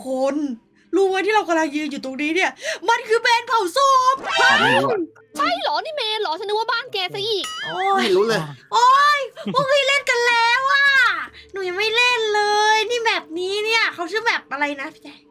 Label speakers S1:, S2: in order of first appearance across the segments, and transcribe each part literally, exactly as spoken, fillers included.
S1: คนรู้ไหมที่เรากำลังยืนอยู่ตรงนี้เนี่ย มันคือเมนเผาศพ
S2: ไม่รู้อะ
S3: ใช่เหรอนี่เมย์เหรอฉันนึกว่าบ้านแกซะอีก
S1: โอ้ย
S2: ไม่รู้เลย
S1: โอ้ยพวกพี่เล่นกันแล้วอ่ะหนูยังไม่เล่นเลย นี่แบบนี้เนี่ยเขาชื่อแบบอะไรนะพี่แจ๊คน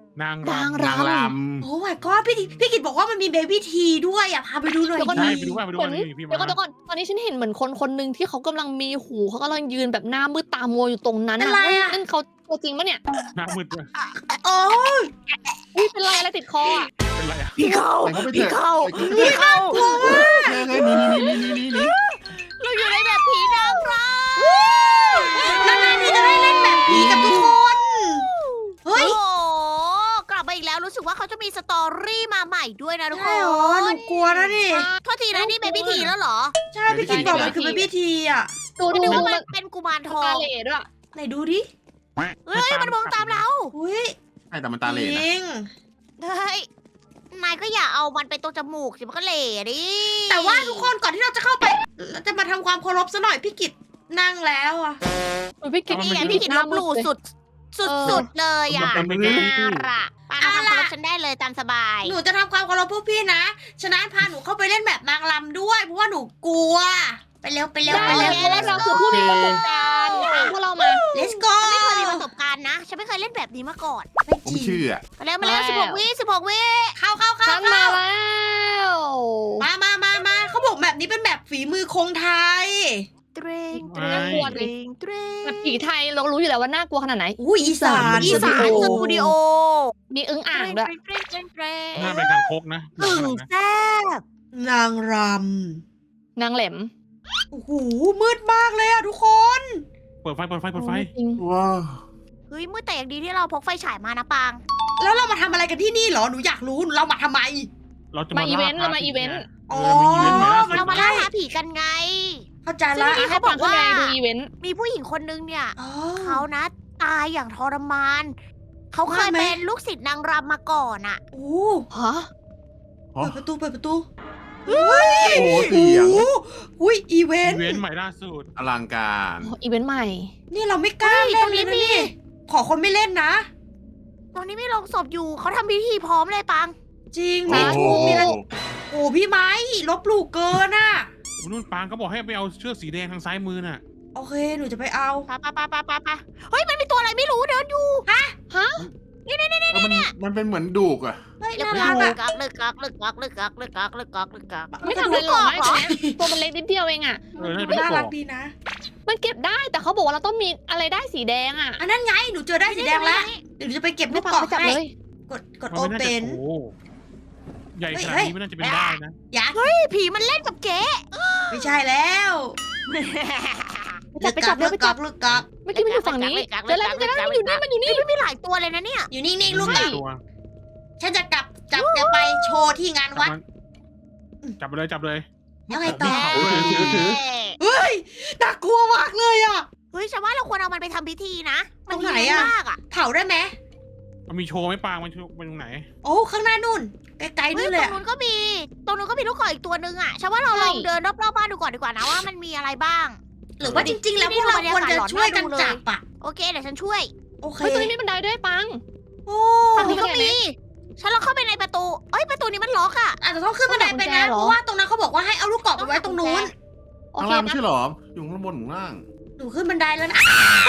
S4: าง
S3: นาง
S4: รำ
S3: ร
S2: นางร
S1: โอ้ยก็พี่พี่กิตบอกว่ามันมีเบบี้ทีด้วยอ่ะพาไปดูหน่อย
S3: เดี๋ยวก่อน
S4: ใช่
S1: ดิ
S4: ไปดูว่าไปดู
S3: เหมือ
S4: ว่าน นี่พี่
S3: เดี๋ยวก่อน
S4: มา
S3: เดี๋ยวก่อนตอนนี้ฉันเห็นเหมือนคนคนหนึ่งที่เขากำลังมีหูเขากำลังยืนแบบหน้ามืดตามัวอยู่ตรงนั้น
S1: เป็นไรอะ
S3: นั่นเขาตัวจริงปะเนี่ย
S4: หน้ามืดด้วย
S1: โอ้ย
S3: อุ้ยเป็นไรอะไรติดคออ่ะ
S4: เป็นไรอะ
S2: ำพี่เข้าไปพี่เข้า
S1: พี่เข้ากลัวมาก
S2: เฮ้ยนี่นี่นี่นี่นี่นี่
S3: เราอยู่ในแบบผีนางร
S1: นานๆที่จะได้เล่นแบบผีกับทุกคนเฮ้ย
S5: โอ้โหกลับมาอีกแล้วรู้สึกว่าเขาจะมีสตอรี่มาใหม่ด้วยนะทุกค
S1: ใช่เหรอน หนูกลัวนะดิ
S5: โทษทีนะนี่เป็นพิธีแล้วเหรอ
S1: ใช่พี่กิตบอกมันคือเบบี้ทีอ่ะ
S3: ดู
S5: ไม่
S3: ดู
S5: นึกว่า
S3: มั
S5: มัน นเป็นกุมารทอ
S3: ตาง เหล่ด้วย
S1: ไหนดูดิ
S5: เฮ้ยมันมองตามเรา
S1: อุ้ย
S2: ใช่แต่มันตาเหล่
S1: จ
S2: นะ
S1: ริง
S5: เฮ้ยนายก็อย่าเอามันไปตรงจมูกสิมันก็เหล่ดิ
S1: แต่ว่าทุกคนก่อนที่เราจะเข้าไปเราจะมาทำความเคารพซะหน่อยพี่กิตนั่งแล้วอ่ะ
S3: อุ๊ยพี่กิต
S5: นี่ไงพี่กินลบหลู่สุดสุดสุดๆเลยอ่ะ
S4: มันเป็น
S5: น่ารักปาทำความเคารพฉันได้เลยตามสบาย
S1: หนูจะทำความเคารพพวกพี่นะ ฉะนั้นพาหนูเข้าไปเล่นแบบนางรำด้วย เพราะว่าหนูกลัว ไปเร็วไปเร็ว
S3: ได้
S1: ไป
S3: เล
S1: เร็
S3: ยว เพราะว่าเราคือผู้มีประสบการณ์ตามพวกเรามา
S1: let's go
S5: ฉันไม่เคยมีประสบการณ์นะ ฉันไม่เคยเล่นแบบนี้มาก่อน
S1: ไม่
S2: ผม
S1: จริง
S2: เชื่อ
S5: มาแล้วมาแล้วสิบหกวิสิบหกวิ
S1: เข้าเข้าเข้า
S3: ฉันมา
S1: เข้า
S3: แล้ว
S1: มามามามาเขาบอกแบบนี้เป็นแบบฝีมือคงไทย
S5: เตรงเตร
S3: น่าง กลัว
S5: เตร
S3: ดิ
S5: งเตรง
S3: แบบผีไทยเรารู้อยู่แล้วว่าน่ากลัวขนาดไหน
S1: อุ้ยอีสาน
S5: อีสาน
S1: ส
S5: ส
S1: ตู
S5: ตู
S1: ดิ
S5: ดิ
S1: โอ
S5: โอ
S3: มีอึ้งอ่างด้วย
S5: เตรงเตรงเตรง
S4: หน้าเป็นคางคกนะ
S5: อึ่งแซ่บ
S1: นางร
S3: นางแหลม
S1: ำโอ้โหมืดมากเลยอะทุกคน
S4: เปิดไฟเปิดไฟเปิดไฟ
S3: จริง
S2: ว้าว
S5: เฮ้ยมือแต่อย่างดีที่เราพกไฟฉายมานะปาง
S1: แล้วเรามาทำอะไรกันที่นี่เหรอหนูอยากรู้เรามาทำไม
S4: เราจะ
S3: มา
S4: มา
S3: อีเวนต์
S4: ล่
S3: เรามาอีเวนต์
S4: เออมีอีเวนต์ใหม่ล่าสุด
S5: เรามาล่าหาผีกันไง
S1: เข้าใจ
S5: ซึ่ง
S1: ละ
S5: เมื่อกี้
S3: ให้
S5: เขาบอกว่า
S3: ฟังข้งในดูอีเวนต์
S5: มีผู้หญิงคนนึงเนี่ย
S1: อ๋อ
S5: เขานะตายอย่างทรมาน เขาเคย
S1: ว่าไหม
S5: เป็นลูกศิษย์นางรำมาก่อนอะ
S1: โอ้
S3: ฮะ
S2: อ๋อ
S1: เปิดประตูเปิดประตู
S2: โอ้โหเสียง
S1: โอ้อุ้ยอีเว
S4: อี
S1: นต์
S4: เวนต์ใหม่ล่าสุด
S2: อลังการ
S3: อีเวนต์ใหม่
S1: นี่เราไม่กล้าเล่นเลยนะนี่ขอคนไม่เล่นนะ
S5: ตอนนี้มีโรงศพอยู่เขาทำพิธีพร้อมเลยปัง
S1: จริง
S2: โอ้
S1: มี
S2: โห
S1: ทูบมีอะไรโอ้พี่ไม้ลบหลู่เกินอ่ะ
S4: นู่นปางเขาบอกให้ไปเอาเชือกสีแดงทางซ้ายมือน่ะ
S1: โอเคหนูจะไปเอา
S5: ปะปะปะปะปะปะเฮ้ยมันมีตัวอะไรไม่รู้เดินอยู่
S2: เออมันมันเป็นเหมือนดูกอะ
S1: เฮ้ย
S5: เลึก
S1: น่า
S5: กั
S1: รั
S5: ก
S1: กอ่ะ
S5: ลึกกักลึกกักลึกกักลึกกักลึกกักลึกกัก
S3: ไม่ทำอะไรหรอกไม่ตัวมันเล็กนิดเดียวเองอ่ะ
S4: เออน่าจะเป็น
S1: น่า
S4: ลูกก
S1: รั
S4: อก ก
S1: ดีนะ
S3: มันเก็บได้แต่เขาบอกว่าเราต้องมีอะไรได้สีแดงอ่ะ
S1: อันนั้นไงหนูเจอได้สีแดงแล้วเดี๋ยวหนูจะไปเก็บลู
S3: ไม่
S1: ก
S3: ปัง
S1: กรอก
S3: ไปจับ
S1: ให้
S3: เลย
S1: กดกด
S4: มัน
S1: โอ
S4: ไม่น่า
S1: เป
S4: จะ
S1: น
S4: โอ้ใหญ่ขนาด
S1: เฮ้ย
S4: นี้ไม่น่าจะเป็นได้นะ
S1: ยักษ์
S5: พี่ผีมันเล่นกับเก๋
S1: ไม่ใช่แล้ว
S3: ไปจับไปจับ
S1: ลึ
S3: เลย
S1: ก
S3: ไป
S1: ก
S3: จั
S1: อบ กลึกกอก
S3: เมื่อกี้มันอยู่ฝั่งนี้เจอแล้วเจอแล้วมันอยู่นี่มันอยู่นี่
S5: มันมีหลายตัวเลยนะเนี่ย
S1: อยู่นิ่งๆลูกก
S4: ไม่
S1: อก
S4: ตัว
S1: ฉันจะกลับจับแกไปโชว์ที่งานวัด
S4: จับไปเลยจับเลย
S1: แล้วไงต่อ
S2: ถือถือถือ
S1: เฮ้ยน่ากลัวมากเลยอ่ะ
S5: เฮ้ยฉันว่าเราควรเอามันไปทำพิธีนะ มัน
S1: ตรงไหน
S5: ดี
S1: อะ
S5: มากอะ
S1: เผาได้ไหม
S4: มันมีโชว์ไหมปางมันโชว์ไปตรงไหน
S1: โอ้ข้างหน้านู่นไกลๆ
S5: เฮ้
S1: นู่
S5: ย
S1: น
S5: ต
S1: เล
S5: ร
S1: ย
S5: ง
S1: อะ
S5: นู้นก็มี ตรงนู้นก็มีลูกกอกอีกตัวนึงอะฉันว่าเราลองเดินรอบๆบ้านดูก่อนดีกว่านะว่ามันมีอะไรบ้าง
S1: หรือว่าจริง ๆ แล้วพวกเราควรจะช่วยกันจับอ่ะ
S5: โอเคเดี๋ยวฉันช่วย
S1: โอเค
S3: เฮ้ยตรงนี้มีบันไดด้วยปัง
S1: โอ้
S5: ฝั่งนี้ก็
S3: เข้าไปไหน
S5: มี ฉันลองเข้าไปในประตู เอ้ยประตูนี้มันล็อกอะ
S1: อาจจะต้องขึ้นบันไดไปนะ
S3: ต้องหากุญแจเหรอ
S1: เพราะว่าตรงนั้นเขาบอกว่าให้เอาลูกกรอกไปไว้ตรงนู้น
S3: โอ
S2: ข้าง
S3: เค
S2: ล่างไม่
S3: นะ
S2: ใช่หรอ อยู่ข้างบนข้างล่าง
S1: หนูขึ้นบันไดแล้วนะ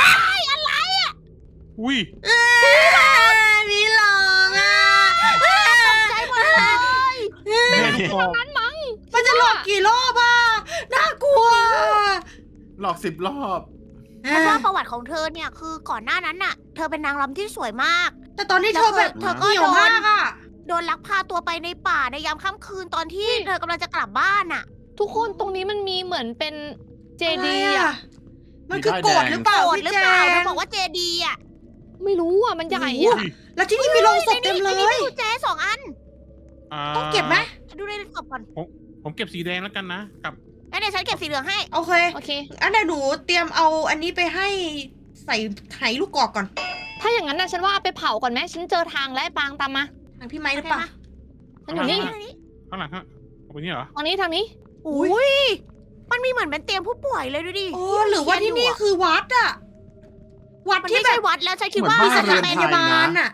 S4: อุ้ย
S1: อ้ามีหลองอ่ะ
S5: ใจหมดเลย
S4: แม่ลูกกอก
S3: นั้นมั้ง
S1: มันจะหลอกกี่รอบอ่ะน่ากลัว
S2: หลอกสิบรอบ
S5: ฉันว่าประวัติของเธอเนี่ยคือก่อนหน้านั้นน่ะ เธอเป็นนางรำที่สวยมาก
S1: แต่ตอนนี้เธอแบบ
S5: เธอก็
S1: เหี่ยว
S5: โดน
S1: มากอ่ะ
S5: โดนลักพาตัวไปในป่าในยามค่ำคืนตอนที่เธอกำลังจะกลับบ้านน่ะ
S3: ทุกคนตรงนี้มันมีเหมือนเป็นเจ
S1: อะไร
S3: ดีย์
S1: อ่ะ
S3: อ่ะ
S1: มันคือโกรธหรือเปล่า
S5: โกรธ
S1: พี่
S5: หรือ
S1: แจ
S5: เปล่าเธอบอกว่าเจดีย์อ่ะ
S3: ไม่รู้อ่ะมันใหญ่
S1: โอ้
S3: อ่ะ
S1: โห แล้วที่นี่มีโรงศพเต็มเล
S5: ในนี้
S1: ย
S5: มีกุญแจสองอัน
S4: า
S1: ต้องเก็บไหม
S5: ดูในศพก่อน
S4: ผมเก็บสีแดงแล้วกันนะกับ
S5: งั้นเดี๋ยวฉันเก็บสีเหลืองให้
S1: โอเค
S3: โอเค
S1: อันเดี๋ยวหนูเตรียมเอาอันนี้ไปให้ใส่ไหลูกกรอกก่อน
S3: ถ้าอย่างนั้นนะฉันว่าเอาไปเผาก่อนไหมฉันเจอทางแล้วไอ้ปางตามมา
S1: ทางพี่ไม้หรือเปล่า
S3: ฉันอยู่นี่
S4: ข้างหลังฮะเอาไปนี่เหรอ
S3: ทางนี้ทางนี้
S5: อุ้ยมันมีเหมือนเป็นเตียงผู้ป่วยเลยดูดิ
S1: โอ้หรือว่าที่นี่คือวัดอะวัด
S5: มัน
S1: ที่
S5: ไม่
S1: แบ
S5: ใช่
S1: บ
S5: วัดแล้วฉันคิด
S2: เหมื
S5: ว่า
S2: อน
S1: มี
S2: บ้
S1: ส
S2: น
S1: ถานพยาบาลอะ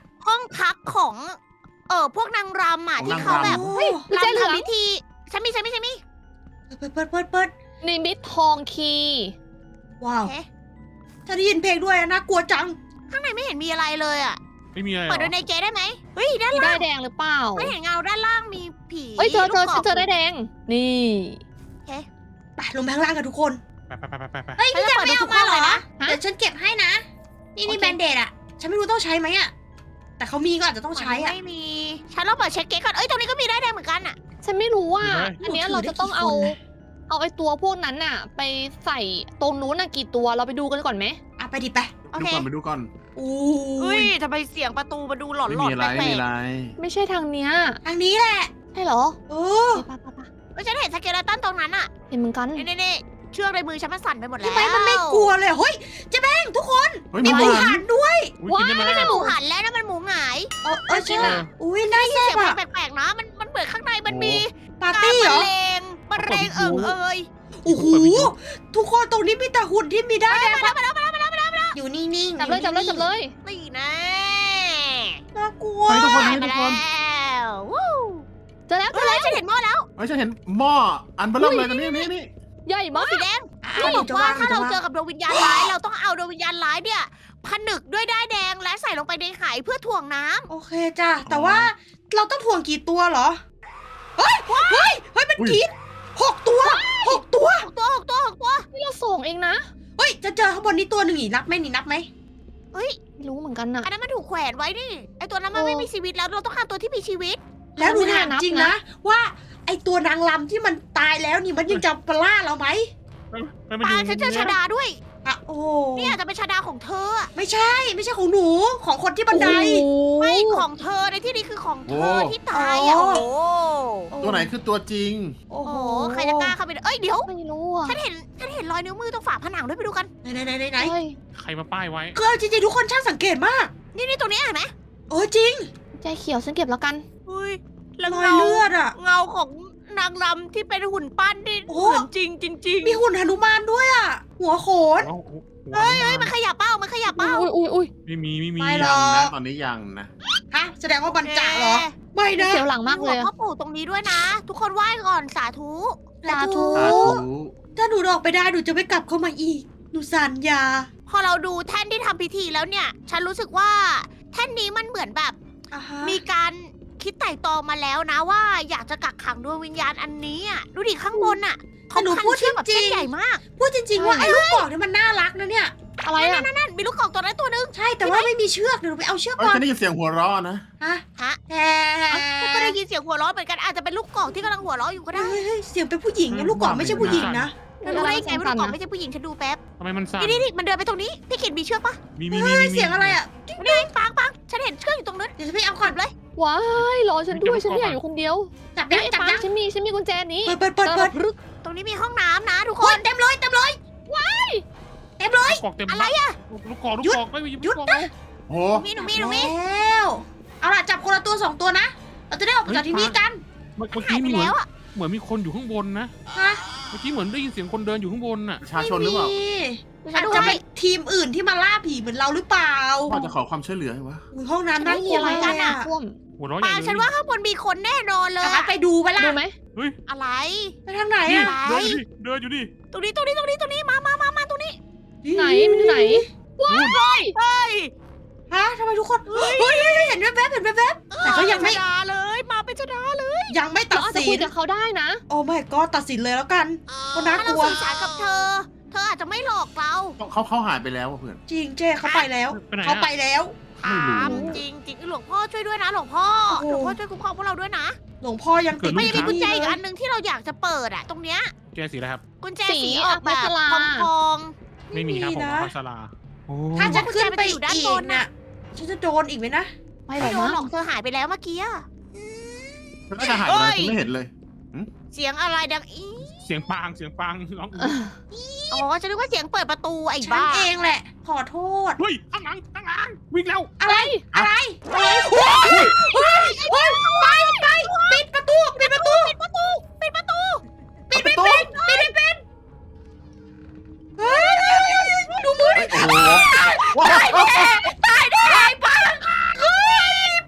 S5: พักของ เออพวกนางรำอ่ะ
S2: ของ
S5: ที่
S2: นาง
S5: เขา
S2: รำ
S5: แบบ
S1: โอ้
S3: ไม่ใช่เหลือง
S5: รำทำพิธีฉันมีฉันมีฉันมี
S1: เปิดเปิดเปิดเปิด
S3: นิมิตทองคีย์
S1: ว้าว
S5: เอ๊ะ
S1: ถ้าได้ยินเพลงด้วยอะน่ากลัวจัง
S5: ข้างในไม่เห็นมีอะไรเลยอ่ะ
S4: ไม่มีอะไรหร
S5: เปิด
S4: อ
S5: ดูในเจได้ไหมเฮ้ยด้าน
S3: มี
S5: ล่า
S3: ได้
S5: ง
S3: แดงหรือเปล่า
S5: ไม่เห็นเงาด้านล่างมีผี
S3: เฮ้ยเจอเจอ
S5: ลูก
S3: ฉัน
S5: ก
S3: เจอได้แดง นี่
S1: ไปลงไปข้างล่างกันทุกคน
S4: ไปไปไปไปไปไป
S1: เฮ้ย
S5: ฉัน
S1: พี่
S5: จะ
S1: แจ
S5: เปิ
S1: ง
S5: ด
S1: ไม่
S5: ดู
S1: เอา
S5: ทุกห้
S1: มา
S5: อง
S1: เหรอ
S5: เลยนะ
S1: เดี๋ยวฉันเก็บให้นะ นี่นี่
S3: โอเค
S1: แบนเดดอะฉันไม่รู้ต้องใช้ไหมอะแต่เขามีก็อาจจะต้องใช้อะ
S5: ไม่มี ฉันลองเปิดเช็คเก๊กก่อน เอ้ย ตรงนี้ก็มีได้แดงเหมือนกันอ่ะ
S3: ฉันไม่รู้ว่า
S4: มีไหม
S3: อันเนี้ย
S1: ถือ
S3: เราจะต้องเอา
S1: ได้กี่คนนะ
S3: เอาไอ้ตัวพวกนั้นน่ะ ไปใส่ตรงนู้นน่ะกี่ตัวเราไปดูกันก่อนไหม
S1: อ่ะไปดิไป
S5: โอ
S2: ดู
S5: เค
S2: ก่อนไปดูก่อน
S1: อู้
S5: เฮ้ย
S1: ย
S5: ทำไมเสียงประตูมาดูหลอน
S2: ไม่
S5: หลอ
S2: มี
S5: น
S2: อะไร
S5: แปล
S2: ไม่มี
S5: ก
S2: อะไร
S3: ไม่ใช่ทางเนี้ย
S1: ทางนี้แหละ
S3: ใช่เหรอ
S1: เออ
S3: ไปไปไป
S5: ๆเฮ้ยฉันเห็นสเกเลตันตรงนั้นอ่ะ
S3: เห็นเหมือนกัน
S5: นี่นี่นี่เชือกในมือฉันมันสั่นไปหมดแล้ว
S1: ทำไมมันไม่กลัวเลยเฮ้ยเจ๊แบงทุกคน
S2: เฮ้ย
S1: มี
S2: มี
S1: หมู
S2: หัน
S1: หันด้วย
S4: อุ้ยกินได้ไหม
S5: ไม่ใช่หมูหันแล้วนะมันหมูหงาย
S1: เออเออใช่
S4: เออ
S1: อุ้ยน่า
S5: เสี
S1: แซ่
S5: ย
S1: บ
S5: ง
S1: อะ
S5: แปลกๆนะ มันมันเหมือนข้างในมันมี
S1: ปาร์
S5: การ
S1: ตี้
S5: บ
S1: เหร
S5: รร
S1: อ
S5: เลงบรรเลงเอิงเอย
S1: โอ้โห
S4: เปิดวิทยุ
S1: ทุกคนตรงนี้มีแต่หุ่นที่มีได้มาแล้วมาแล้วมาแล้วมาแล้วอยู่นิ่งๆ
S3: จับเลยจับเลยจับเลย
S5: นี่นะ
S1: น่ากลัว
S2: เฮ้ยทุกคน
S5: ได้
S2: เฮ้ย
S5: มา
S2: ทุกคน
S5: แล้ววู้
S3: เจอแล้วเจ
S5: เฮ้
S3: อย แล้ว
S5: ฉันเห็นหม้อแล้ว
S2: เฮ้ยฉันเห็นหม้ออันเบลอเลยตรงนี้นี่นี่
S3: ใหญ่
S5: หม้อ
S3: มาก
S5: สีแดง
S1: อ่ะ
S5: เขาบ
S1: เดี๋ย
S5: อ
S1: ว
S5: ก
S1: จะ
S5: ว่า
S1: ว่าง
S5: ถ้าเรา
S1: ดี๋ยว
S5: เจ
S1: จะ
S5: อกับดวงวิญญาณร้ายเราต้องเอาดวงวิญญาณร้ายเนี่ยผนึกด้วยด้ายแดงและใส่ลงไปในไหเพื่อถ่วงน้ำ
S1: โอเคจ้ะแต่ว่าเราต้องถ่วงกี่ตัวเหรอเฮ้ยเฮ้ยเฮ้ยมันกรีดหกตัวหกตัว
S5: หกตัวหกตัวหกตัว
S3: นี่เราส่งเองนะ
S1: เฮ้ยจะเจอข้างบนนี้ตัวหนึ่งอีกนับไหมนี่นับไหม
S5: เฮ้ย
S3: ไม่รู้เหมือนกันน่ะ
S5: อันนั้นมันถูกแขวนไว้นี่ไอตัวนั้นมัน
S3: โอ้
S5: ไม่มีชีวิตแล้วเราต้องการตัวที่มีชีวิต
S1: แล้วดู
S3: ไม่น่า
S1: ถาม
S3: นับ
S1: จริง
S3: นะ
S1: นะ ว่าไอตัวนางลำที่มันตายแล้วนี่มันยังจะปล่าเราไหม
S4: ไปไป
S5: ปา
S4: ดู
S5: ฉันเจอชาดาด้วย
S1: อ่ะโอ้
S5: นี่อาจจะเป็นชาดาของเธออะ
S1: ไม่ใช่ไม่ใช่ของหนูของคนที่บันได
S3: โอ้โห
S5: ไม่ของเธอในที่นี้คือของเธอ
S2: โอ้
S5: ที่ตายอ่ะ
S1: โอ้
S5: โอ้โห
S2: ตัวไหนคือตัวจริง
S1: โอ้
S5: โอ้
S1: โห
S5: โหใครจะกล้าเข้าไปเอ้ยเดี๋ยว
S3: ไม่รู้อ่ะ
S5: ฉันเห็นฉันเห็นรอยนิ้วมือตรงฝาผนังด้วยไปดูกัน
S1: ไหนไหนไหนไหนไหน
S3: เฮ้ย
S4: ใครมาป้ายไว้
S1: คือเอาจริงๆทุกคนช่างสังเกตมาก
S5: นี่นี่ตรงนี้เห็นไหม
S1: เออจริง
S3: ใจเขียวฉันเก็บแล้วกัน
S5: เฮ้ยแล้ว
S1: รอย
S5: เงา
S1: เลือดอ่ะ
S5: เงาของนางรำที่เป็นหุ่นปั้นที่
S1: โอ้
S5: เหมือนจริงจริงๆ
S1: มีหุ่นหนุมานด้วยอ่ะ หัวโขน
S4: โอ้โห
S5: เฮ้ยเฮ้ยมันขยับเป้ามันขยับเป้า
S3: อุ้ยอุ้ยอุ้ย
S4: ไม่มีไม่มี
S1: ไม่หร
S2: ยั
S1: อก
S2: งนะตอนนี้ยังนะ
S1: ฮะแสดงว่าบันจะเหรอ ไม่นะ
S3: เสียวหลังมากเลย
S5: หัว
S3: อะ
S5: พ่อปู่ตรงนี้ด้วยนะ ทุกคนไหว้ก่อนสาธุ
S3: สาธุ
S2: สาธุ
S1: ถ้าหนูออกไปได้หนูจะไม่กลับเข้ามาอีก หนูสัญญา
S5: พอเราดูแท่นที่ทำพิธีแล้วเนี่ย ฉันรู้สึกว่าแท่นนี้มันเหมือนแบบ
S1: อ่าฮะ
S5: มีการคิดไต่ตองมาแล้วนะว่า อยากจะกักขังดวงวิญญาณอันนี้อ่ะดูดิข้างบนอ่ะเขาพันเชือกแบบเส้นใหญ่มาก
S1: พูดจริง ๆ ว่าไอ้ลูกกรอกเนี่ยมันน่ารักนะเนี่ย
S3: อะไรอ่ะ
S5: นั่นมีลูกกอกตัวนั้นตัวนึง
S1: ใช่แต่ว่าไม่มีเชือกเดี๋ยวหนูไปเอาเชือก
S2: เฮ้ย
S1: ก่อน
S2: ฉันได้ยินเสียงหัวเราะนะ
S1: ฮะ
S5: ฮะ
S1: แฮ่
S5: ก็ได้ยินเสียงหัวเราะเหมือนกันอาจจะเป็นลูกกอกที่กำลังหัวเราะอยู่ก็ได้
S1: เฮ้ยเฮ้ยเสียงเป็นผู้หญิงนะลูกกรอกไม่ใช่ผู้หญิงนะ
S5: แล้วรู้ได้ไงว่าลูกกอกไม่ใช่ผู้หญิงฉันดูแป๊บ
S4: ทำไมมันสั่น
S5: นี่นี่นี่มันเดินไปตรงนี้พี่ขิดมีเชือกปะ
S4: มีมีมี
S1: เฮ้ย
S4: มี
S1: เสียงอะไรอ่ะ
S5: นี่ปังปังฉันเห็นเชือกอยู่ตรงนั้น
S1: เดี๋ยวฉันไปเอาก่อน
S5: เลย
S3: ว้ายรอฉันด้วยฉันไม่อยากอยู่คนเดียว
S1: จับ
S3: เดี๋
S1: ยั
S3: ยว
S1: ง
S3: ไอ้
S1: จับ
S3: ปัง
S1: ยัง
S3: ฉันมีฉันมีกุญแจนี้
S1: เปิดเปิดเปิดเปิด
S3: รึก
S5: ตรงนี้มีห้องน้ำนะทุก
S1: ค
S5: คน น
S1: เต็มเลยเต็มเลยเต็มเลย
S4: ลูกกอกเต็ม
S5: อะไรอะ
S4: ลูกกอกลูก
S1: หยุด
S4: กอกไม่มี
S1: หยุด
S4: ลูกกอก
S1: นะ
S2: โห
S5: มีหนูมีหนูมี
S1: แล้วเอาล่ะจับคนละตัวสองตัวนะ เราจะได้ออกไปจากที่นี่กัน
S4: เมื่อเมื่อ
S5: หาย
S4: กี้
S5: ไป
S4: มีเหมือน
S5: แล้วอ่ะ
S4: เหมือนมีคนอยู่ข้างบนนะ
S1: ฮะ
S4: เมื่อกี้เหมือนได้ยินเสียงคนเดินอยู่ข้างบนน่ะ
S2: ประชาชนหรือเปล่า
S5: ฉั
S1: อาน จ
S5: ดู
S1: จะ
S5: ให้
S1: เป็นทีมอื่นที่มาล่าผีเหมือนเราหรือเปล่า
S2: พ่อจะขอความช่วยเหลือให้วะ
S1: อุ๊ยห้องน้ำน่ากลัว
S3: ไม่มีอะไร
S1: มากเลยอะ
S3: ท่วม
S4: หัวเราะใหญ่
S5: ปา
S4: เลย
S5: ฉันว่าข้างบนมีคนแน่นอนเลย
S1: เอา
S5: อะ
S1: ไปดูไปล่ะ
S3: ดูไหม
S4: เฮ้ย
S5: อะไร
S1: ไปทางไหน
S4: นี่
S1: อะ
S5: อะไร
S4: เดินอยู่ดิเดินอยู่ดิ
S5: ตรงนี้ตรงนี้ตรงนี้ตรงนี้มามามามาตรงนี้
S3: ไหนมันอยู่ไหน
S4: นู่น
S5: เฮ้ย
S1: ฮะทำไมทุกคนเฮ้ยเฮ้ยเฮ้ยเห็นแวบๆเห็นแวบๆแต่ก็ยังไม่
S5: ชดาเลยมาเป็นชดาเลย
S1: ยังไม่ตั
S3: เรา
S1: ด
S3: อาจจะ
S1: สิ
S3: คุย
S1: น
S3: กับเขาได้นะ
S1: โอ้ไม่ก็ตัดสินเลยแล้วกัน ก็น่า
S5: ถ้าก เรา
S1: ลัว
S5: สื่อสารกับเธอ เธออาจจะไม่หลอกเรา
S2: เขาเขาหายไปแล้วอะเพื่อน
S1: จริงเจ้เขาไปแล้ว
S4: ไปไหน
S1: เขา
S4: อะ
S1: ไปแล้ว
S2: ไม่รู้
S5: ถามจริงจริงหลวงพ่อช่วยด้วยนะหลวงพ่อ
S1: โอ้โห
S5: หลวงพ่อช่วยคุ้มครองพวกเราด้วยนะ
S1: หลวงพ่อยังติด
S5: มันยังมีกุญแจอีก
S1: เลย
S5: อันหนึ่งที่เราอยากจะเปิดอะตรงเนี้ย
S4: แกสีอะไรครับ
S5: กุญแจ
S3: สี
S5: สีออกแบบ
S3: อัครา
S5: ทองทอง
S4: ไม่มีครับผม
S1: นะ
S4: พัสลาโอ้
S1: ถ้าจะขึ้นไป
S5: กุญแจมันจะอยู่ด้าน
S1: อี
S5: บ
S1: ก
S5: น
S1: น่ะ
S5: น่ะ
S1: ฉันจะโดนอีกไหมนะ
S3: ไม่
S5: ไม่
S3: หรอก
S5: โดน
S3: มั้ง
S5: หรอกเธอหายไปแล้วเมื่อกี้อะ
S2: เธอก็จะหายไปไหนฉันไม่เห็นเลย
S5: เสียงอะไรดังอี
S4: เสียงปางเสียงปางร้อง
S5: อ๋อฉันนึกว่าเสียงเปิดประตูไอ้
S1: ฉัน
S5: บ้า
S1: เองแหละ ขอโทษ
S4: เฮ้ยข้างหลังข้างหลังวิ่งแล้ว
S1: อะไร อะไรอะไรเฮ้ยเฮ้ยเฮ้ยไปไปปิดประตู ปิดประตู
S5: ปิดประตู ปิดประตู
S1: ปิดไม่เป็น ปิดไม่เป็น เฮ้ยดูมือ
S2: เฮ้ยโอ้โหว้าว
S1: ตายแน่ตายแน่ไปเฮ้ย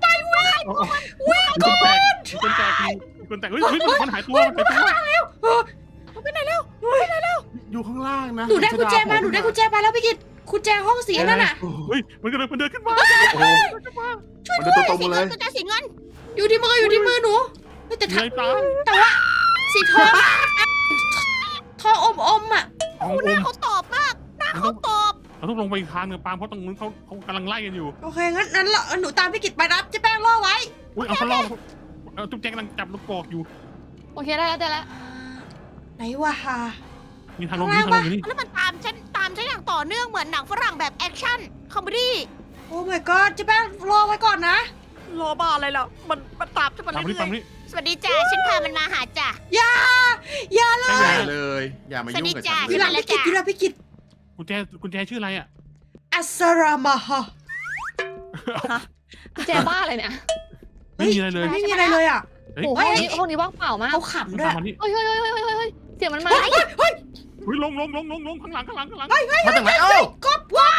S4: มันแต่เฮ้ยเฮ้ยมันหายตัวมันหายตัว
S2: อยู่ข้างล่างนะ
S1: หนูได้กุญแจมาหนูได้กุญแจมาแล้วพี่กิตกุญแจห้องสีนั่นน่ะ
S4: เฮ้ยมันกำลังมันเดินขึ้นมา
S2: โอ้โหมันเดินตรง
S5: สี
S2: ๆมา
S5: เงิ
S2: เล
S5: น
S2: ย
S5: กุญแจสีเงิน
S1: อยู่ที่มืออยู่ที่มือหนูเฮ้ยแต่
S4: เห
S1: ถ้า
S4: นื่อยตาม
S1: แต่ว่าสีทองทองอมอมๆอ่ะ
S4: ของ
S5: ห
S4: อ
S5: น้าม เขาตอบมากหน้าเขาตอบ
S4: เราต้องลงไปอีกทางหนึ่งปาล์มเพราะตรงนู้นเขาเขากำลังไล่กันอยู่
S1: โอเคงั้นนั้นเราหนูตามพี่กิตไปรับเจ๊แป้งล่อไว้
S4: อุ้ยเอาเขาล่อเอาจุ๊บแจงกำลังจับลูกกอกอยู่
S3: โอเคได้แล้วได้แล้ว
S1: ไหนวะฮะ
S4: มีทางลงนี่ทางลงอยู่นี่
S5: แล้วมันตามฉันตามฉันอย่างต่อเนื่องเหมือนหนังฝรั่งแบบแอคชั่นคอมเมดี้
S1: โอ้ my god เจ๊แป้งรอไว้ก่อนนะ
S5: รอบ้าอะไรล่ะมันมันตามฉันมา
S4: ตาม
S5: เรื่
S4: นี่ตาม
S5: อย
S4: นี่
S5: ๆสวัสดีจ้าฉันพามันมาหาจ้ะ
S1: อย่าอย่าเล
S2: อย ย่าเลย อย่ามายุ่งกับฉัน
S1: อยู่ห
S2: เล
S1: ลั
S2: ย
S1: งพี่กิตอยู่หลังพี่กิต
S4: กุญแจกุญแจชื่ออะไรอ่ะ
S1: อัสรามาฮะ
S3: กุญแจบ้าอะไรเนี่ย
S4: ไม่มีอะไรเลย
S1: ไม่มีอะไรเลยอ่ะ
S4: เฮ้ย
S3: โอ้โหห้องนี้ห้องนี้ว่างเปล่ามาก
S1: เขาขำด้ว
S4: ตาย มมานี่
S3: เฮ้ยเฮ้ยเฮ้ยเฮ้ยเฮ้ยเฮ้ยเสียงมันมา
S1: เฮ้ยเฮ้ยเฮ้ย
S4: เฮ้ยลงลงลงลงลงข้างหลังข้างหลังข้างหลัง
S2: มาจากไหนเอ้า
S1: ก๊อบว้าย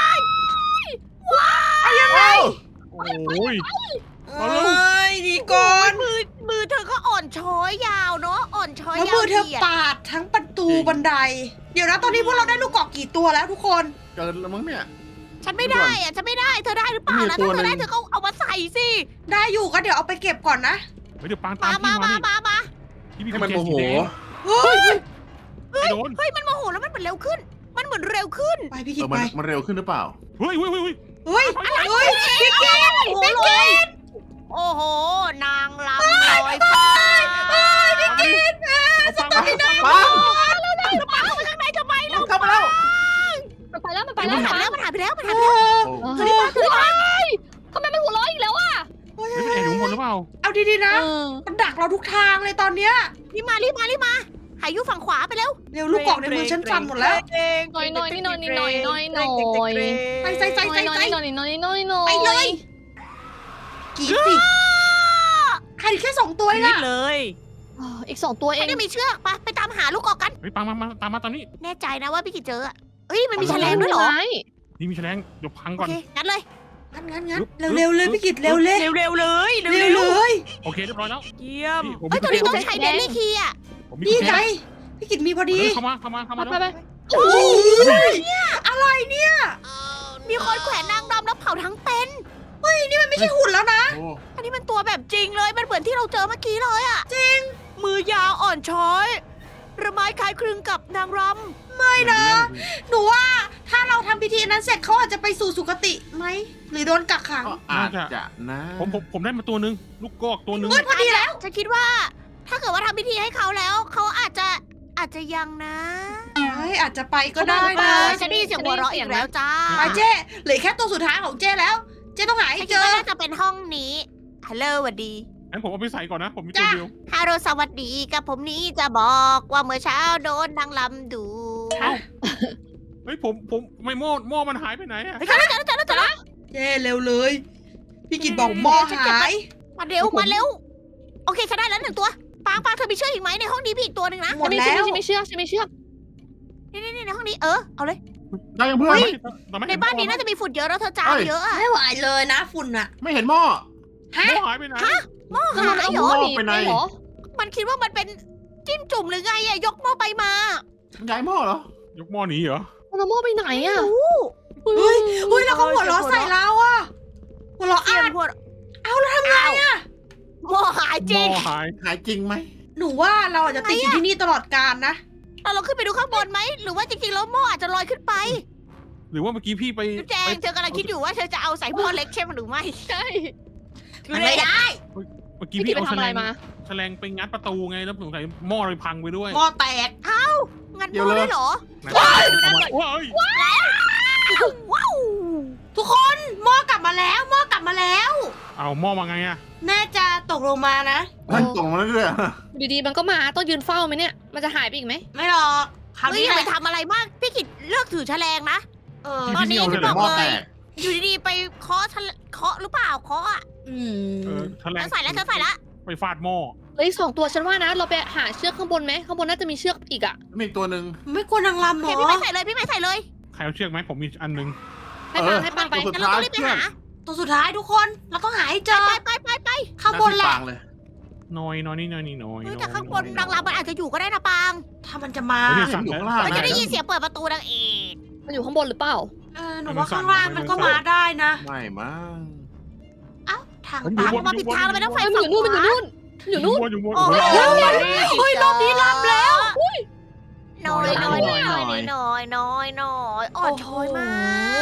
S2: เอายังไง
S4: โอ้ย
S1: เอ้ยดีก่อน
S5: มือมือเธอก็อ่อนช้อยยาวเนาะอ่อนช้อย
S1: แล้ว
S5: ยาว
S1: มือเธอ
S5: เหยียด
S1: ปาดทั้งประตูบันได เดี๋ยวนะตอนนี้พวกเราได้ลูกกอกกี่ตัวแล้วทุกคน
S2: เกินแล้วมั้งเนี่ย
S5: ฉันไม่ได้อะฉันไม่ได้เธอได้หรือเปล่า
S2: มี
S5: นะ
S2: ตั
S5: ถ้าว เธอได้
S2: หนึ่ง
S5: เธอก็เอามาใส่สิ
S1: ได้อยู่ก็เดี๋ยวเอาไปเก็บก่อนนะ
S4: เฮ้ยเดี๋ยวปางตาม
S5: มา
S4: พี่
S5: มา
S4: มา
S5: มา
S4: นี่
S5: มามา
S4: พี่มี
S2: ให้
S4: กุ
S2: มัน
S4: ญแจ
S2: โมโห
S4: สีแดง
S1: เฮ้ย
S4: ไอ้โดน
S5: เฮ้ยมันโมโหแล้วมันเหมือนเร็วขึ้น มันเหมือนเร็วขึ้น
S1: ไปพี่
S2: เอ
S1: กิต
S2: อ
S1: ไป
S2: มันมันเร็วขึ้นหรือเปล่า
S4: เฮ้ยเฮ้ยเฮ้ย
S1: เฮ้ยเฮ้ยพี่กิต
S5: โอ้โหเลยโอ้โห นางลำลอยฟ้า
S4: พี่กินเอาปางมา
S2: ปัง
S5: แล้วนางจะปังเข้าไปข้างในทำไมเรา
S2: เข้ามาแล้ว
S3: มันไปแล้วมันไป
S5: มัน
S3: แล้ว
S5: หายไปแล้วมันหายไปแล้วมัน
S1: เอ
S5: หายไปแล้ว
S1: อ
S2: โอ้
S3: เฮ้ยเฮ้ยทำไมมันหัวเราะอีกแล้วอ่ะ
S1: เฮ้ย
S4: เฮ้ยมันแอบอยู่ข้างบนหรือเปล่า
S1: เอาดีๆนะ
S3: เออ
S1: มันดักเราทุกทางเลยตอนเนี้ย
S5: รีบมารีบมารีบมาหายอยู่ฝั่งขวาไปแล้ว
S1: เร็วลูกกอกในมือฉันสั่นหมดแล้ว
S3: หน่อยหน่อยนี่หน่อยนี่หน่อยหน่อยหน่อย
S1: ไปใส่ใส่
S3: ห
S1: ใส่
S3: น่อย
S1: ใส่
S3: หน่อยหน่อยหน่อยหน่อย
S1: ไปเลยกรีดสิใครแค่สองตัวเอง
S5: นี่
S1: อะ
S5: เลย
S3: อ๋ออีกสองตัวเอ
S5: ฉัน
S3: ง
S5: จะมีเชือกไปไปตามหาลูกกอกกัน
S4: เฮ้ยปางมามาตามมาตอนนี้
S5: แน่ใจนะว่าพี่กิจเจออะเอ้ยมันมีแฉลงด้วยเหรอ
S4: นี่มีแฉลงเดี๋ยวพัง
S5: โอ
S4: ก่อน
S5: เคงั้นเลย
S1: งั้นงั้นงั้น
S4: ลุก
S1: เร็วๆเลยพี่กิตเร็วเลย
S5: เร็วเร็วเลย
S1: เร็วเลย
S4: โอเคเรียบร้อยแล้ว
S5: เยี่ยม
S4: พี่ผม
S5: เฮ้ยตัวนี้
S4: มี
S5: ต้องใช้เดลี่คีย์อะ
S4: ผมมี
S1: นี่
S4: กุญแจ
S1: ไงพี่กิตมีพอดี
S4: เข้ามาเข้ามาเข้า
S3: ไป
S4: มา
S3: ไปไป
S1: โอ้ยอะไรเนี่ย
S5: มีคนแขวนนางรำแล้วเผาทั้งเป็น
S1: เฮ้ยนี่มันไม่ใช่หุ่นแล้วนะ
S2: โอ้
S5: อันนี้มันตัวแบบจริงเลย มันเหมือนที่เราเจอเมื่อกี้เลยอะจริง มือยาวอ่อนช้อยระไม้คล้ายคลึงกับนางร
S1: ไม่นะ หนูว่าถ้าเราทำพิธีนั้นเสร็จเขาอาจจะไปสู่สุคติไหมหรือโดนกักขัง
S2: ก็อาจจะนะ
S4: ผมผมผมได้มาตัวหนึงลูกกอกตัวหนึง
S1: เฮ้ย
S5: ำ
S1: พอดีแล้ว
S5: ฉันคิดว่า ถ้าเกิดว่าทำพิธีให้เขาแล้ว เขาอาจจะอาจจะยังนะ
S1: เฮ้ยอาจจะไปก็ได้
S5: เอ
S1: นะ
S5: อฉันได้ยินเสียงหัวเราะอีกแล้วจ้า
S1: ไปเจ้เหลือแค่ตัวสุดท้ายของเจ้แล้ว เจ้ต้องหาให้
S5: ฉัน
S1: เจ
S5: คิด
S1: อ
S5: ว่าน่าจะเป็นห้องนี้ ฮัลโหลสวัสดี
S4: งั้นผมเอาไปใส่ก่อนนะ ผมมีตัวเดียว
S5: ฮัลโหลสวัสดีกับผมนี้จะบอกว่าเมื่อเช้าโดนนางลำดู
S4: เอ้า เฮ้ยผมผมไม่หม้อหม้อมันหายไปไหนอะ
S5: เฮ้ยเจอแล้วเจอแล้วเจอแล้วเจอแล้ว
S1: เจ้เร็วเลย พี่กิตบอกหม้อหาย
S5: มาเร็วมาเร็ว โอเคฉันได้แล้วหนึ่งตัว ปางปางเธอมีเชือกอีกไหมในห้องนี้มีอีกตัวหนึ่งนะ
S1: หมด
S3: ไม่
S1: แล้
S3: เชื่อ
S1: ว
S3: ไม่เชื่อไม่เชื่อ
S5: นี่นี่ในห้องนี้เออเอาเลย
S2: ได้ยังเพื่อน
S5: เฮ้ย
S4: แต่ไม่
S5: ใน
S4: เห็
S5: บ้านนี้
S4: หม้อ
S5: น่าจะมีฝุ่นเยอะแล้วเธอจาม
S2: เฮ้ย
S5: เยอะอะ
S1: ไม่ไหวเลยนะฝุ่นอะ
S2: ไม่เห็นหม้อ
S1: ฮะ
S4: หม้อหายไปไหน
S5: หม้อ
S3: แล้ว
S5: หา
S3: มัน
S5: ย
S3: เอา
S5: เหร
S3: หม้
S5: อ
S3: อหนีไปเหรอ
S5: มันคิดว่ามันเป็นจิ้มจุ่มหรือไงอะยกหม้อไปมา
S2: ฉันย้ายหม้อเหรอ
S4: ยกหม้อหนีเหรอ
S3: มันเอาหม้อไปไหนอ่ะ
S1: เฮ้ยเฮ้ยแล้วเขาหัวเราะใส่เราอะหัวเราะ
S5: เสีย
S1: อ่าง น
S5: หัว
S1: เอาแล้วทำไงอะ
S5: หม้อหายจ
S4: ห
S5: ริ
S4: ม้
S5: ง
S4: อหาย
S2: หายจริงไหม
S1: หนูว่าเราอาจจะติดอยู่ที่นี่ตลอดกาลนะ
S5: เราลองขึ้นไปดูข้างบนไหมหรือว่าจริงๆแล้วหม้ออาจจะลอยขึ้นไป
S4: หรือว่าเมื่อกี้พี่ไป
S5: จุ๊บแจง
S4: ไป
S5: เธอกำลังคิดอยู่ว่าเธอจะเอาใส่หม้อเล็กใช่ไหมหรือไม่
S3: ใช่
S1: ไม่ได้
S4: เมื่อกี้
S3: พี่
S4: พี่
S3: ไป
S4: เอาแฉ
S3: ทำอะ
S4: ล
S3: ไรง มา
S4: แฉลงไปงัดประตูไงแล้วสงสัยหม้อเลยพังไปด้วย
S1: หม้อแตก
S5: งัดหม้อได้เหรอ
S4: ไหน
S1: ว้าย
S4: เอามาว้าย
S5: ว้าว
S1: ทุกคนหม้อกลับมาแล้วหม้อกลับมาแล้ว
S4: เอาหม้อมาไงอะ
S1: แม่จะตกลงมานะ
S2: มันตรงมาเรื่อย
S3: ดีๆมันก็มาต้องยืนเฝ้าไหมเนี่ยมันจะหายไปอีกไหม
S1: ไม่หรอกคราว
S5: เฮ้ย
S1: นี้
S5: อย่า
S1: แห
S5: ไป
S1: ละ
S5: ทำอะไรมาก พี่กิดเลิกถือแฉลงนะ
S1: เออ
S5: ตอนนี้
S2: ๆ
S5: ฉัน
S2: เดี๋
S5: บ
S2: ย
S5: อ
S2: ว
S5: ก
S2: หม้อ
S5: เล
S2: แต
S5: ย
S2: ก
S5: อยู่ดีๆไปเคาะแฉลเคาะหรือเปล่าเคาะอ่ะ
S1: อื
S4: เออ
S1: ม
S4: แฉลง
S5: ฉันใส่แล้วฉันใส่แล้ว
S4: ไปฟาดหม้อ
S3: เฮ้ยสองตัวฉันว่านะ เราไปหาเชือกข้างบนไหมข้างบนน่าจะมีเชือกอีกอ่ะ
S2: มีอีกตัวหนึ่ง
S1: ไม่กลัวนางรำ
S5: โอ
S1: เหร
S5: เค
S1: อ
S5: พี่ไม่ใส่เลยพี่ไม่ใส่เลย
S4: ใครเอาเชือกไหมผมมีอันหนึง
S3: ให้ปังให้ปังไป
S2: ตัวสุด
S5: งั้นเรา
S2: ท้าย
S5: ต้องรีบไป
S2: เพื่อน
S5: หา
S1: ตัวสุดท้ายทุกคนเราต้องหาให้เจอ
S5: ไปไปไปไป
S1: ข้างบนแหละ
S2: ฟางเลย
S4: น้อยน้อยนี่น้อยนี่น้อย
S5: เฮ้ย
S4: น้อย
S5: แต่ข้างบน
S4: อย
S5: นางรำมันอาจจะอยู่ก็ได้นะปาง
S1: ถ้ามันจะมา
S4: เฮ้ย
S2: เห็นอยู่ข้างล่าง
S5: เราจะ
S2: นะ
S5: ได้ยินเสียงเปิดประตูนางเอก
S3: มันอยู่ข้างบนหรือเปล่า
S1: เออหนูว่าข้างล่างมันก็มาได้นะ
S2: ไม่มั้ง
S1: เอ้าทาง
S4: มันอ
S1: ตั
S4: ยู่
S1: น
S4: บน
S5: มาผิดทางเราไปต้องไฟ
S3: มันอ
S5: ฝั่ง
S3: ยู่นู่นมันอยู่นู่นอยู่นู่น
S4: อยู่บน
S5: โอ้
S4: อยู่บน
S5: โห
S1: เฮ้ยรอบนี้รับแล้ว
S5: น้อยน้อยน้อยน้อยน้อยน้อยน้อยอ่อนช้อยมาก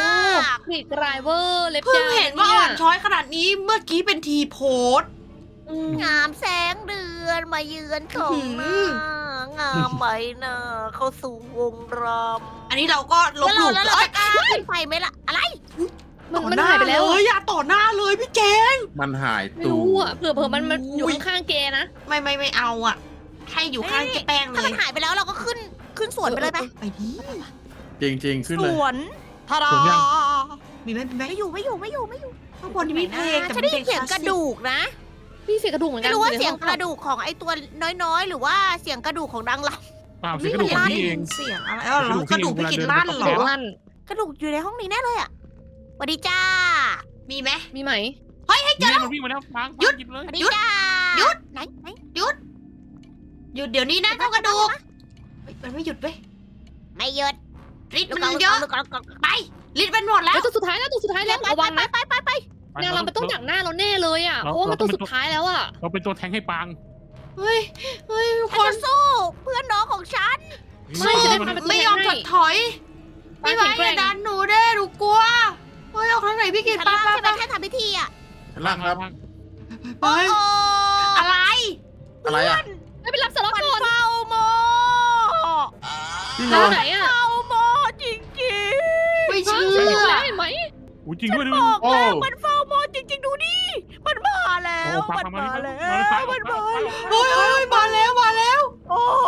S3: มีดรายเวอร์เล็บ
S1: เพิ่ง
S3: ยาว
S1: เห็นว่าอ่อนช้อยขนาดนี้เมื่อกี้เป็นทีโพสต์
S3: อืม
S5: งามแสงเดือนมาเยือนของ
S1: อื้อหื
S5: หน้างามใบหน้าเข้าสู่วงรำ
S1: อันนี้เราก็ลบ
S5: แล้ว
S1: ห
S5: เรา
S1: ลู่
S5: แล้วเรา
S1: เอ้ย
S5: จะกล้าขึ้นไปไหมล่ะอะไร
S3: มัน
S1: ต่อ
S3: มัน
S1: หน้า
S3: หายไปแล้ว
S1: เล
S3: อะ
S1: ยอย่าต่อหน้าเลยพี่เจง
S2: มันหาย
S3: ไม่
S2: ตู
S3: รู้อ่ะเผื่อเผื่อมันมันอยู่
S1: อุ้ย
S3: ข้างๆเกนะ
S1: ไม่ไม่ไม่เอาอ่ะ ให้อยู่ข้างเจ๊แป้งเล
S5: ถ้าย มันหายไปแล้วเราก็ขึ้นขึ้นสวนไปเลยไหม
S1: ไปดิ
S2: จริงจริงๆ ขึ้น
S5: ส
S2: เลย
S5: วนทารา
S4: สวนยัง
S1: มีไหมมีไหม
S5: ไม่อยู่ไม่อยู่ไม่อยู่ไม่อยู่
S1: ข้างบนนี่มีเพลงแต่
S5: ฉัน
S1: เป็น
S5: ได้
S1: เพล
S5: ยิ
S1: ง
S5: นเสียง
S1: ค
S5: ก
S1: ลา
S5: ระ
S1: สสิก
S5: ดูกนะ
S3: พี่เสียงกระดูกเหมือนกั
S5: ไม่
S3: น
S5: รู้ว่า
S3: อใน
S5: เสียง
S3: ห้
S5: กระดูกของไอ้ตัวน้อยๆ หรือว่าเสียงกระดูกของนางร
S4: เปล่าเสียงกระดูกของพี่เอง
S1: เสียงอะไรเออเหรอกระดูกพี่กินลั่นเหร
S3: เสียง
S1: อ
S3: ลั่น
S5: ำกระดูกอยู่ในห้องนี้แน่เลยอ่ะสวัสดีจ้า
S1: มีไหม
S3: มีไหม
S4: นี่มันวิ่งมาแล้วปังปังหยิบเลย
S5: สวัสดี
S1: หยุด
S5: จ้า
S1: หยุด
S5: ไหนไหน
S1: หยุดเดี๋ยวนี้นะเจ้ากระดูกเฮ้ยมันไม่หยุดเว้ย
S5: ไม่หยุด
S1: ฤทธิ์
S5: ลูก
S1: มัน
S5: ก
S1: เยอะ
S5: ลูกกลูกกลูก
S1: ไปฤทธิ์มันหมดแล้ว
S3: แล้วตัวสุดท้ายแล้วตัวสุดท้ายแล้ว
S5: ไประ
S3: วังนะ
S5: ไปไปไป
S3: นางรำมันต้องดักหน้าเราแน่เลยอ่ะเพราะว่ามันตัวสุดท้ายแล้วอ่ะ
S4: เราเป็นตัวแทงให้ปัง
S1: เฮ้ยเฮ้ยทุก
S5: ฉั
S1: คน น
S5: จะสู้เพื่อนน้องของฉัน
S3: ไม่จะได้
S4: มัน
S3: ทำเป็น
S1: ไม่ยอมถดถอย
S3: ปั
S1: ไม่
S3: ง
S1: ไหว
S3: แข็งแก
S1: อ
S3: ร่
S1: ย่าง ดันหนูเด้หนูกลัวเฮ้ยออกทางไหนพี่กิน
S5: ชั้น
S1: ไป
S5: ล่าง
S1: ไป
S5: ใช่ไหม
S1: ไป
S5: แค่ทำพิธีอ่ะ
S2: ชั้นล่างครับ
S1: ไป
S5: โอ้
S1: อะไร
S2: อะไรอ่ะ
S3: ไม่ไปรับสล็อต
S5: มัน
S3: ก่อน
S5: เฝ้าโม
S2: จริงเหร
S3: ทา
S2: อง
S3: ไหนอ่ะ
S5: เฝ้าโมจริง
S1: ไม่เชื่
S3: เห็น
S1: อ
S3: ไหมเห็นไหม
S4: อุ้ยจริงด้วย
S5: ๆ
S4: ดู
S5: บอก
S2: โอ้
S5: แล้วมันเฝ้าโมจริง ๆ ดูดิมันมาแล้ว
S4: โอ้ปั
S5: มัน
S4: งมา
S5: มา
S4: แล้
S5: แล้ว ว
S4: มา
S5: มัน
S4: แล้ว
S5: มาแล้ว
S1: เฮ้ยเฮ้ยมาแล้วมาแล้ว
S5: โอ้โห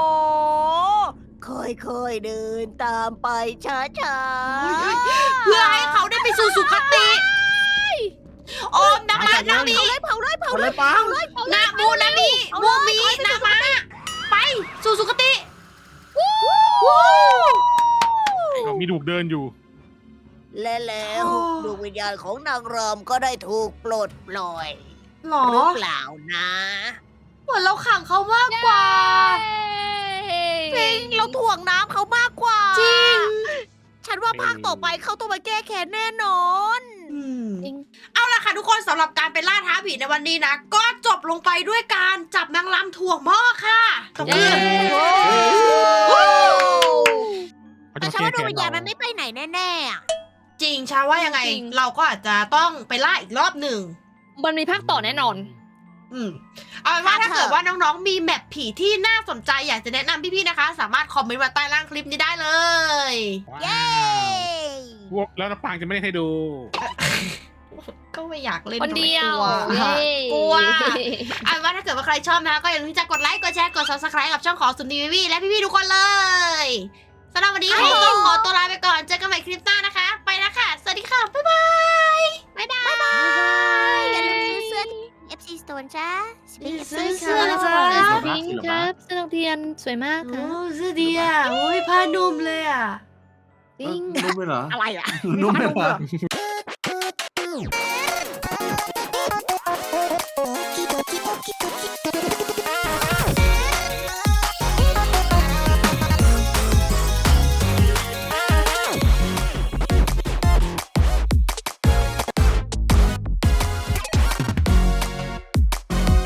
S5: ค่อยๆเดินตามไปช้าๆ
S1: เพื่อให้เขาได้ไปสู่สุคติโอมนามานามี
S5: เผาเลยเผา
S2: เอา
S5: เล
S2: เลย ยปัง
S1: นามูนามีมูมีนามาไปสู่สุคติ
S4: มีดูกเดินอยู่
S5: และแล้วดวงวิญญาณของนางรำก็ได้ถูกปลดปล่อย
S1: หรอ
S5: หรือเปล่านะ
S1: เหมือนเราขังเขามากกว่า
S5: จริงเราถ่วงน้ำเขามากกว่า
S1: จริง
S5: ฉันว่าภาคต่อไปเขาต้องมาแก้แค้นแน่นอน
S3: จริง
S1: เอาล่ะค่ะทุกคนสำหรับการไปล่าท้าผีในวันนี้นะ ก็จบลงไปด้วยการจับนางรำถ่วงหม้อค่ะตบมือ
S4: เขา
S5: แต่
S4: จะ
S5: ฉัน
S4: แก้
S5: ว่าดวง
S4: แค้น
S5: วิญญาณมั
S4: เรา
S5: นไม่ไปไหนแน่ๆอะ
S1: จริงชาว่ายังไง
S3: จริง
S1: เราก็อาจจะต้องไปล่าอีกรอบหนึ่ง
S3: มันมีภาคต่อแน่นอน
S1: อืมเอาเป็นว่าถ้าเกิดว่าน้องๆ มีแมปผีที่น่าสนใจอยากจะแนะนำพี่ๆ นะคะ สามารถคอมเมนต์มาใต้ล่างคลิปนี้ได้เลย
S5: เย้
S4: พวกแล้วน้ำปังจะไม่ได้ให้ดู
S1: ก็ไม่อยากเล่น
S3: คนเดียว
S1: ทำไมกลัว
S3: เย้
S1: กลัวเอาเป็นว่าถ้าเกิดว่าใครชอบนะคะก็อย่าลืมที่จะกดไลค์ กดแชร์ กด ซับสไครบ์ กับช่องของสุนทรีวีและพี่ๆ ทุกคนเลยสำหรับวันนี้ผมต้องขอตัวลาไปก่อน เจอกันใหม่คลิปหน้านะคะ ไปแล้วค่ะ สวัสดีค่ะ บ๊ายบาย
S5: บ๊ายบายบ๊ายบายอย่าลืมซื้อเสื้อ เอฟ ซี Store จ้า
S1: ซื้อเสื้อนะจ๊ะ
S3: พิงค์ครับเสื้อนักเรียนสวยมากค่ะ
S1: โอ้เสื้อดีอ่ะโอ้ยผ้านุ่มเลยอ่ะ
S3: จริง
S2: นุ่มไปเหรอ
S5: อะไรอ่ะ
S2: นุ่มไปเหรอ